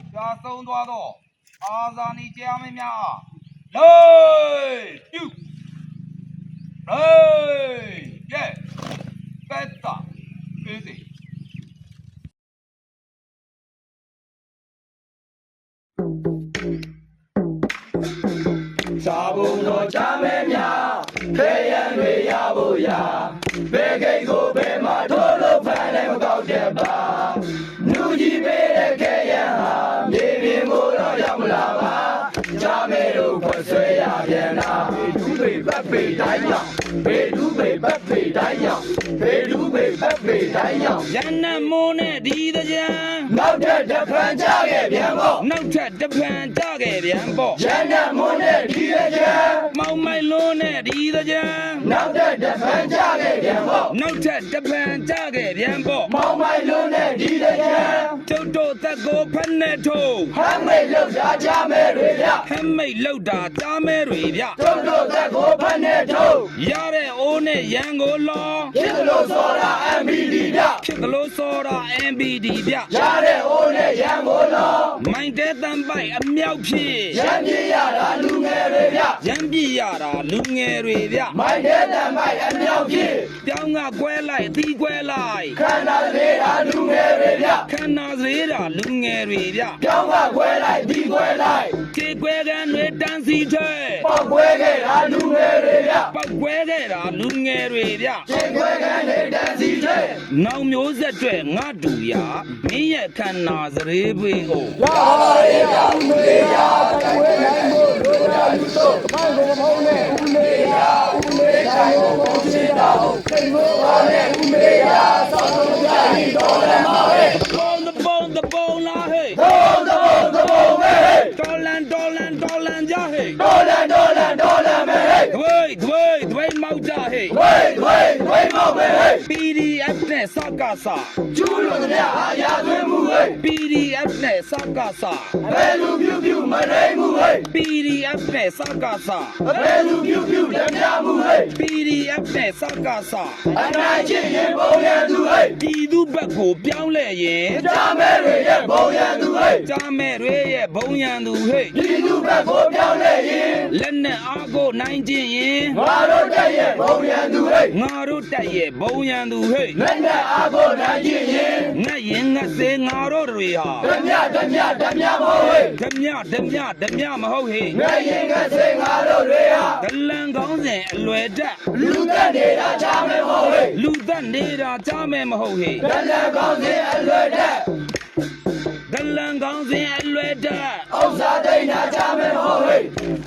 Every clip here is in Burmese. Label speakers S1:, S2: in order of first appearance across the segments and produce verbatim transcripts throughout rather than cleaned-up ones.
S1: ကြာဆုံးသွားတော့အာဇာနည်ကြားမင်းများလေးပြုလေးကဲကဲတာပြေးစီ
S2: စာဘုံတော်ချမဲများခဲရန်တွေရဖို့ရာဘယ်ကိတ်ကိုဘယ်မှာထိုးလို့ဖမ်းလည်းမကောက်တဲ့ပါနူကြီးပေးတဲ့ခဲရန်ဟာမြေပြင်ကိုတော့ရောက်မလာပါချမဲတို့ခွဆွဲရပြန်တာဘေဒူးပေပတ်ပေတိုင်းရောက်ဘေဒူးပေပတ်ပေတိုင်းရောက်ဘေဒူးပေပတ်ပေတိုင်းရောက်
S3: ရန်နမိုးနဲ့ဒီတကြံ
S2: နောက်ထပ်တစ်ဖန်ကြခဲ့ပြန်ပေါ့
S3: နောက်ထပ်တစ်ဖန်ကြခဲ့ပြန်ပေါ့
S2: ရန်နမိုးနဲ့ဒီတကြံ
S3: မောင်မိုင်လုံးနဲ့ဒီတကြံ
S2: နောက်ထပ်တစ်ဖန်ကြခဲ့ပြန်ပေါ့
S3: နောက်ထပ်တစ်ဖန်ကြခဲ့ပြန်ပေါ့
S2: မောင်မိုင်လုံးနဲ့ဒီတကြံ
S3: ကျုပ်တို့သက်ကိုဖက်နဲ့ထိုး
S2: ဟမ်းမိတ်လောက်တာကြမဲတွေဗျ
S3: ဟမ်းမိတ်လောက်တာကြားမဲတွေဗျ
S2: ကျုပ်တို့သက်ကိုဖက်နဲ့ထိုး
S3: ရတဲ့အိုးနဲ့ရန်ကိုလော
S2: ဖြစ်လို့စောတာ M B D ဗျ
S3: ဖြစ်လို့စောတာ M B D ဗျ
S2: ရတဲ့အိုးနဲ့ရန်ကိုလော
S3: မိုင်းတဲ့တန်ပိုက်အမြောက်ဖြစ်
S2: ရန်ပြရတာလူငယ်တွေဗျ
S3: ရန်ပြရတာလူငယ်တွေဗျ
S2: မိုင်းတဲ့တန်ပိုက်အမြောက်ဖြစ်
S3: ပြောင်းကကွဲလိုက်အသီးကွဲလိုက်
S2: ခန္ဓာလေးတာလူငယ်တွေဗျ
S3: ခန္ဓာသေးတာလူငယ်တွေဗျ
S2: ပြောင်းကကွဲလိုက်ဒီကွဲလိုက်
S3: ကြေကွဲကန်တွေတန်းစီထဲ
S2: ပေါက်ကွဲခဲ့တာလူငယ်တွေဗျ
S3: ပေါက်ကွဲခဲ့တာလူငယ်တွေဗျ
S2: ကြေကွဲကန်တွေတန်းစီထဲ
S3: နောက်မျိုးဆက်တွေငါတူရမင်းရဲ့ခန္ဓာစရေးပွေးကို
S2: ရပါရဲ့ဗျဦးလေးရတိုင်ဝဲနိုင်ဖို့လိုရာလူတို့မိုင်းကိုမဟုတ်နဲ့ဦးလေးရဦးလေးတိုင်းကိုပုံချင်တာစိတ်မိုးပါနဲ့ဦးလေးရသောက်ဆုံးကြရင်တော်လည်းမဟဲ့
S3: ပုံတပုံတပုံလားဟဲ့
S2: ပုံတပုံတပုံပဲဟဲ့
S3: တော်လန်တော်လန်တော်လန်ကြဟဲ့
S2: တော်လန်တော်လန်တော်လန်ပဲဟဲ့
S3: ဒွေဒွေဒွေမောက်ကြဟဲ့
S2: ဒွေဒွေဒွေမောက်ပဲဟဲ့
S3: P D F နဲ့စကားစာ
S2: ကျူးလို့တဲ့အာရသွင်းမှုဟဲ့
S3: P D F နဲ့စကားစာ
S2: ဘယ်လူပြူပြူမရိမှုဟဲ့
S3: P D F နဲ့စကားစာ
S2: ဘယ်လူပြူပြူလက်ပြမှုဟဲ့
S3: P D F နဲ့စကားစာ
S2: အနိုင်ချင်းရင်ဘုံရန်သူဟဲ့
S3: ပြည်သူဘက်ကိုပြောင်းလဲရင်
S2: ကြားမဲတွေရဲ့ဘုံရန်သူဟဲ့
S3: ကြားမဲတွေရဲ့ဘုံရန်သူဟဲ့
S2: ပြည်သူဘက်ကိုပြောင်းလဲရင်
S3: လက်နဲ့အားကိုနိုင်ခြင်းရင်
S2: ငါတို့တက်ရဲ့ဘုံရန်သူဟဲ့
S3: ငါတို့တက်ရဲ့ဘုံရန်သူဟဲ့
S2: လက်နဲ့အားကိုနိုင်ခြင်းရင်
S3: ငတ်ရင်ငတ်စေငါတို့တွေဟာ
S2: ဓမြဓမြဓမြမဟုတ်ဟဲ့
S3: ဓမြဓမြဓမြမဟုတ်ဟဲ့
S2: ငတ်ရင်ငတ်စေငါတို့တွေဟာ
S3: ဒလန်ကောင်းစဉ်အလွယ်တက်
S2: လူသက်နေတာကြားမဲမဟုတ်ဟဲ့
S3: လူသက်နေတာကြားမဲမဟုတ်ဟဲ့
S2: ဒလန်ကောင်းစဉ်အလွယ်တက်
S3: ဒလန်ကောင်းစဉ်အလွယ်တက်
S2: ဥစ္စာတိတ်နာကြားမဲမဟုတ်ဟဲ့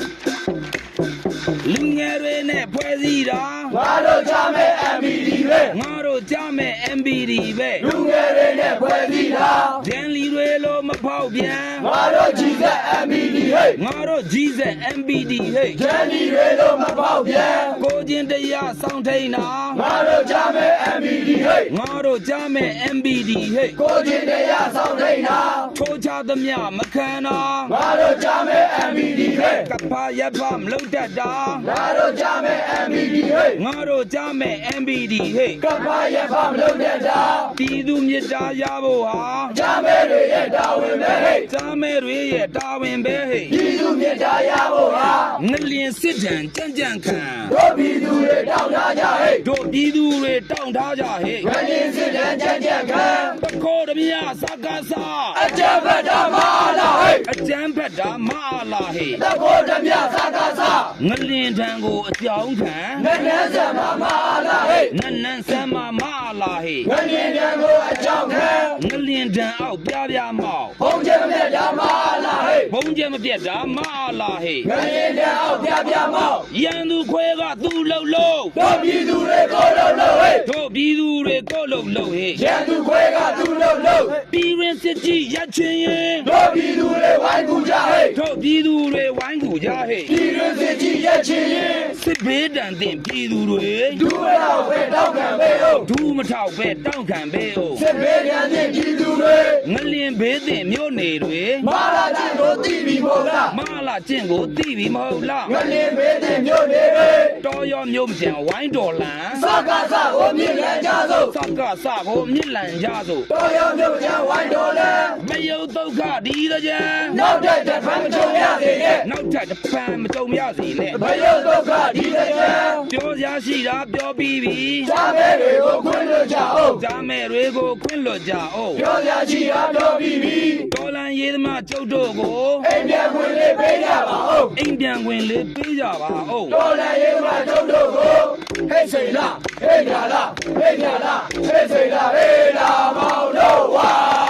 S3: လူငယ်တွေနဲ့ဖွဲ့စည်းတာ
S2: ငါတို့ကြားမဲ M B D ပဲ
S3: ငါတို့ကြားမဲ M B D ပဲ
S2: လူငယ်တွေနဲ့ဖွဲ့စည်းတာ
S3: ဒန်လီတွေလိုမဖောက်ပြန်
S2: ငါတို့ကြီးစက် M B D ဟဲ့
S3: ငါတို့ကြီးစက် M B D ဟဲ့
S2: ဒန်လီတွေလိုမဖောက်ပြန်
S3: ကိုချင်းတရားစောင့်ထိန်တာ
S2: ငါတို့ကြားမဲ M B D ဟဲ့
S3: ငါတို့ကြားမဲ M B D ဟဲ့
S2: ကိုချင်းတရားစောင့်ထိန်တာ
S3: ထိုးချသမျှမခံတာ
S2: ငါတို့ကြားမဲ M B D ဟဲ့
S3: ကပ္ပရဖမလုံတတ်တာ
S2: ငါတို့ကြားမဲ M B D ဟဲ့
S3: ငါတို့ကြားမဲ M B D ဟဲ့
S2: ကပ္ပရဖမလုံတတ်တာ
S3: ပြည်သူမြစ်တာရဖို့ဟာ
S2: ကြားမဲတွေရဲ့တာဝန်ပဲဟဲ့
S3: ကြားမဲတွေရဲ့တာဝန်ပဲဟဲ့
S2: ပြည်သူမြစ်တာရဖို့ဟာ
S3: ငလျင်စစ်တံကြံ့ကြံ့ခံ
S2: တို့ပြည်သူတွေတောင်းထားကြဟဲ့
S3: တို့ပြည်သူတွေတောင်းထားကြဟဲ့
S2: ငလျင်စစ်တံကြံ့ကြံ့ခံ
S3: တခိုးတမြစကားစာ
S2: အကြံဖက်တာမအားလားဟဲ့
S3: အကြံဖက်တာမအားလားဟဲ့
S2: တခိုးတမြစကားစာ
S3: ငလျင်ထံကိုအကြောင်းခံ
S2: နန်းနန်းဆံမမအားလားဟဲ့
S3: နန်းနန်းဆံမမအားလားဟဲ့
S2: ငလျင်ထံကိုအကြောင်းခံ
S3: ငလျင်ထံအောက်ပြပြမောက်
S2: ဘုံကျဲမပြတ်တာမအားလားဟဲ့
S3: ဘုံကျဲမပြတ်တာမအားလားဟဲ့
S2: ငလျင်ထံအောက်ပြပြမောက်
S3: ရန်သူခွဲကသူ့လှုပ်လှုပ်
S2: တို့ပြည်သူတွေကိုလှုပ်လှုပ်ဟဲ့
S3: တို့ပြည်သူတွေကိုလှုပ်လှုပ်ဟဲ့
S2: ရန်သူခွဲကသူ့လှုပ်လှုပ်
S3: ပြည်ရင်စစ်ကြီးရချင်းရင်
S2: တို့ပြည်သူတွေဝိုင်းကူကြဟဲ့
S3: တို့ပြည်သူတွေဝိုင်းကူကြဟဲ့
S2: ပြည်ရင်စစ်ကြီးရချင်းရင်
S3: စစ်ဘေးတန်တင်ပြည်သူတွေ
S2: ဒူးမထောက်ပဲတောက်ခံပဲဟုတ်
S3: ဒူးမထောက်ပဲတောက်ခံပဲဟုတ်
S2: စစ်ဘေးတန်တင်ပြည်သူတွေ
S3: ငလျင်ဘေးတင်မြို့နေတွေ
S2: မာလာချင်းကိုသိပြီမဟုတ်လား
S3: မလာကျင့်ကိုသိပြီမဟုတ်လား
S2: ငလင်းမေးတဲ့မြို့တွေ
S3: တော်ရောမြို့မကျန်ဝိုင်းတော်လန်
S2: စကားစကိုမြင်ရကြစို့
S3: စကစကိုမြစ်လန်ကြစို့
S2: တော်ရောမြို့ချဝိုင်းတော်လဲ
S3: မယုတ်ဒုက္ခဒီတကြံ
S2: နောက်တဲ့တစ်ဖန်မချုံရစေနဲ့
S3: နောက်ထပ်တစ်ပံမကြုံရစီနဲ့
S2: ဘယုတ်ဒုက္ခဒီတစ်ချမ်း
S3: ပြောစရာရှိတာပြောပြီးပြီ
S2: ရှားမဲတွေကိုခွင့်လွှတ်ကြအောင်
S3: ဂျာမဲတွေကိုခွင့်လွတ်ကြအောင်
S2: ပြောရချီအားတော်ပြီးပြီ
S3: တော်လန်ရေးသမားကျုပ်တို့ကို
S2: အိမ်ပြန်ခွင့်လေးပေးကြပါဦး
S3: အိမ်ပြန်ခွင့်လေးပေးကြပါဦး
S2: တော်လည်းရေးမှာတို့တို့ကိုဟဲ့စိန်လားဟဲ့ညာလားဟဲ့ညာလားဟဲ့စိန်လားဟဲ့လာမောင်တို့ဝါ